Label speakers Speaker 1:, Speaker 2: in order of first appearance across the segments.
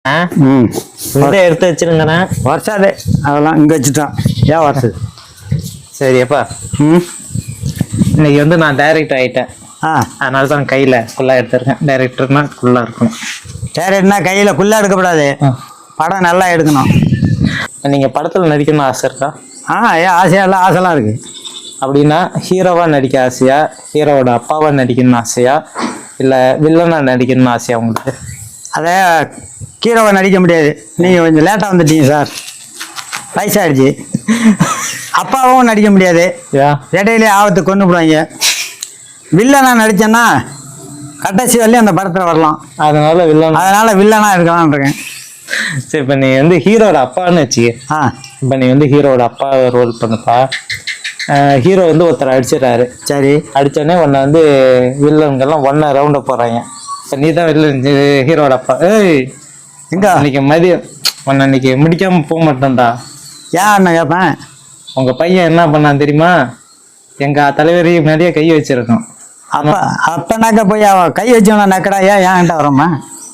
Speaker 1: ம்
Speaker 2: இதை எடுத்து வச்சிருங்கண்ணா.
Speaker 1: வருஷாதே அதெல்லாம் இங்கே வச்சுட்டான். ஏன் வருஷது?
Speaker 2: சரி அப்பா,
Speaker 1: ம்
Speaker 2: இன்னைக்கு வந்து நான் டைரக்டர் ஆகிட்டேன்.
Speaker 1: ஆ
Speaker 2: அதனால தான் கையில் குள்ளா எடுத்திருக்கேன். டைரக்டர்னா குள்ளா இருக்கணும்.
Speaker 1: டேரக்ட்னா கையில் குள்ளா எடுக்கக்கூடாது, படம் நல்லா எடுக்கணும்.
Speaker 2: நீங்கள் படத்தில் நடிக்கணும்னு ஆசை இருக்கா?
Speaker 1: ஏன் ஆசையெல்லாம் ஆசைலாம் இருக்குது.
Speaker 2: அப்படின்னா ஹீரோவாக நடிக்க ஆசையா, ஹீரோவோட அப்பாவாக நடிக்கணும்னு ஆசையா, இல்லை வில்லனாக நடிக்கணும்னு ஆசையா உங்களுக்கு?
Speaker 1: அதை ஹீரோவை நடிக்க முடியாது, நீங்கள் கொஞ்சம் லேட்டாக வந்துட்டீங்க சார், வயசாகிடுச்சு. அப்பாவும் நடிக்க முடியாது, இடையிலே ஆபத்து கொண்டு போடுவாங்க. வில்லனா நடித்தேன்னா கடைசி வரலையும் அந்த படத்தில் வரலாம். அதனால வில்லனா இருக்கலாம்னு இருக்கேன்.
Speaker 2: சரி, இப்போ நீ வந்து ஹீரோட அப்பான்னு வச்சுக்க. இப்போ நீ வந்து ஹீரோட அப்பா ரோல் பண்ணுப்பா. ஹீரோ வந்து ஒருத்தர் அடிச்சிடறாரு.
Speaker 1: சரி,
Speaker 2: அடித்தோடனே உன்னை வந்து வில்லன்கள்லாம் ஒன்றை ரவுண்டை போடுறாங்க. இப்போ நீ தான் வில்லன், ஹீரோட அப்பா.
Speaker 1: எங்க
Speaker 2: இன்னைக்கு மதியம் உன்னை இன்னைக்கு முடிக்காமல் போக மாட்டேன்டா.
Speaker 1: ஏன் அண்ணன் கேட்பேன்?
Speaker 2: உங்கள் பையன் என்ன பண்ணான் தெரியுமா? எங்கள் தலைவரையும் முன்னாடியே கை வச்சிருக்கோம்.
Speaker 1: அப்பனாக்க போய் அவன் கை வச்சவன நக்கடா, ஏன்கிட்ட வரமா?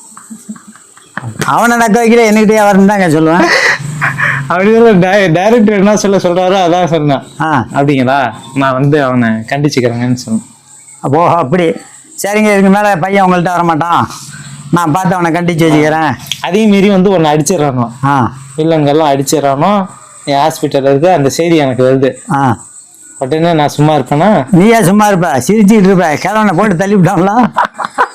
Speaker 1: அவனை நக்க வைக்கிற என்கிட்டயே வரணும் தாங்க சொல்லுவேன்.
Speaker 2: அப்படி டைரக்டர் என்ன சொல்றாரோ அதான் சொன்னேன். அப்படிங்களா? நான் வந்து அவனை கண்டிச்சுக்கிறேங்கன்னு சொன்னேன்.
Speaker 1: அப்போ அப்படி சரிங்க, இதுக்கு மேலே பையன் உங்கள்கிட்ட வரமாட்டான், நான் பார்த்து அவனை கண்டிச்சு வச்சுக்கிறேன்.
Speaker 2: அதே மீறி வந்து உன்னை அடிச்சிடறானோ, வில்லங்கள்லாம் அடிச்சிடறானோ, என் ஹாஸ்பிட்டல் இருக்கு, அந்த செய்தி எனக்கு வருது. உடனே நான் சும்மா இருப்பேனா?
Speaker 1: நீயே சும்மா இருப்ப, சிரிச்சுட்டு இருப்ப, கிழவனை போட்டு தள்ளி விட்டாங்களா?